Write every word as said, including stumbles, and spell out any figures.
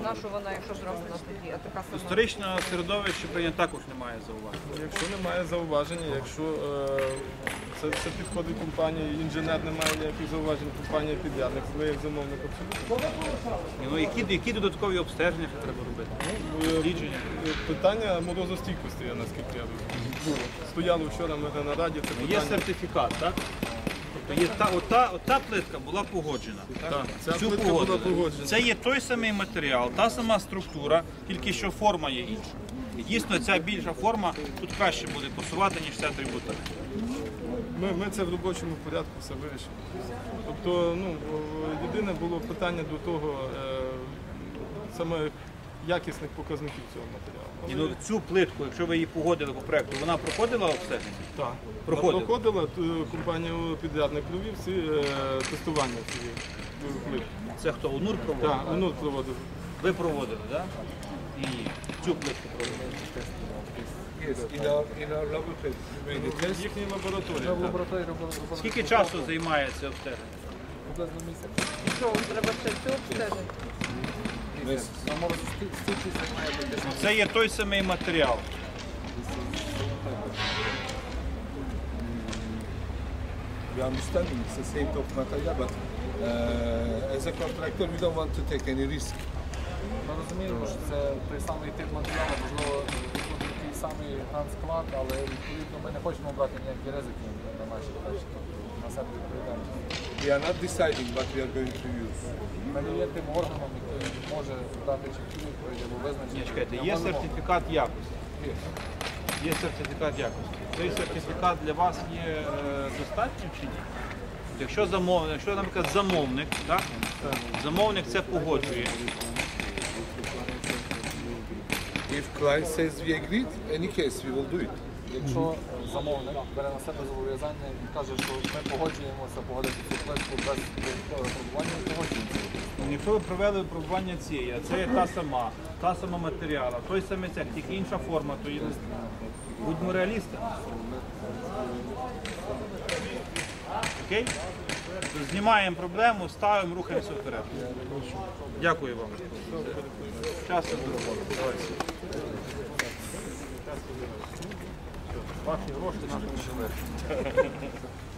нашу вона, якщо зроблена тоді, а така сама. Історичне середовище прийнято також немає зауважень. Якщо немає зауваження, якщо е, це, це підходить компанії, інженер не має ніяких зауважень, компанія підрядник, ви як замовник абсолютно. Ну, які, які додаткові обстеження ще треба робити? Дослідження? Питання морозостійкості, я наскільки я розумію. Стояло вчора ми на нараді, це питання. Є сертифікат, так? Тобто є та, ота, ота плитка була погоджена. Так, ця Цю плитка була погодили. погоджена. Це є той самий матеріал, та сама структура, тільки що форма є інша. І дійсно ця більша форма тут краще буде пасувати, ніж ця трибутарка. Ми, ми це в робочому порядку все вирішимо. Тобто, ну, єдине було питання до того, е, саме якісних показників цього матеріалу. І ну, цю плитку, якщо ви її погодили по проекту, вона проходила обстеження? Так, Проходила. проходила, е, компанія підрядник провів всі е, тестування цієї плитки. Це хто? УНУР проводив? Так, УНУР проводив. Ви проводили, так? І цю плитку проводили. Yes, in our, in our laboratory, we made a test. В їхній лабораторії. В лабораторії робили робили Скільки часу займає це обстеження? приблизно місяць. І що, вам треба ще цю обстежити? Місяць. На морозостійкість займає десь Це є той самий матеріал. We understand it's the same top material, but uh, as a contractor, we don't want to take any risk. Ми розуміємо, що це той самий тип матеріалу, можливо, тут такий самий склад, але відповідно ми не хочемо брати ніякі ризики на наші речі, на себе відповідальність. We are not deciding what we are going to use. Ми не є тим органом, який може дати чіткі відповіді або визначити. Ні, чекайте, Ми є можемо- сертифікат якості. Є сертифікат якості. Цей сертифікат для вас є е, достатнім чи ні? Якщо замовник, якщо, наприклад, замовник, так? Замовник це погоджує. If client says we agreed, any case we will do it. Якщо замовник бере на себе зобов'язання і каже, що ми погоджуємося погодити цю плитку без додаткового пробування, погоджуємося. Якщо ви провели випробування цієї, а це є та сама, та сама матеріала, той самий цех, тільки інша форма, то є. Будьмо реалістами. Окей? То знімаємо проблему, ставимо, рухаємося вперед. Дякую вам. Щастя, здоров'я. Давайте. Ваші гроші наші не